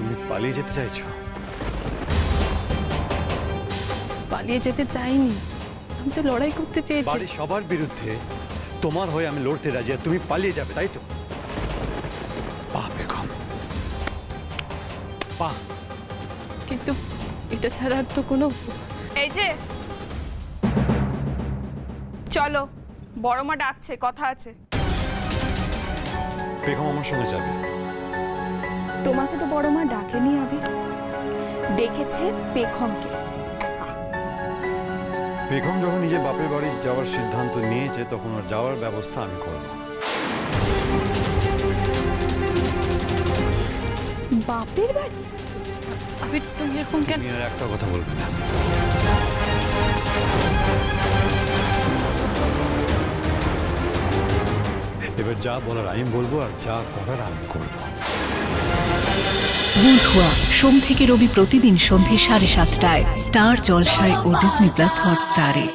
তুমি পালিয়ে যেতে চাইছো? পালিয়ে যেতে চাইনি, আমি তো লড়াই করতে চেয়েছি। বাড়ির সবার বিরুদ্ধে তোমার হয়ে আমি লড়তে রাজি, আর তুমি পালিয়ে যাবে, তাই তো? বাহ বেগম, বাহ। কিন্তু এটা ছাড়া আর তো কোনো। এই যে চলো, বড় মা ডাকছে, কথা আছে। বেগম আমার সঙ্গে যাবে। তোমাকে তো বড় মা ডাকেনি আবির, ডেকেছে পেখমকে একা। বেগম যখন নিজের বাপের বাড়ি যাওয়ার সিদ্ধান্ত নিয়েছে, তখন ওর যাওয়ার ব্যবস্থা আমি করব। বাপের বাড়ি? আবির তুমি এরকম কেন? তুমি আর একটা কথা বলবে না। এবার যা বলার আমি বলবো, আর যা করার আমি করবো। বুধুয়া সোম থেকে রবি প্রতিদিন সন্ধে 7:30টায় স্টার জলসায় ও ডিজনি প্লাস হটস্টারে।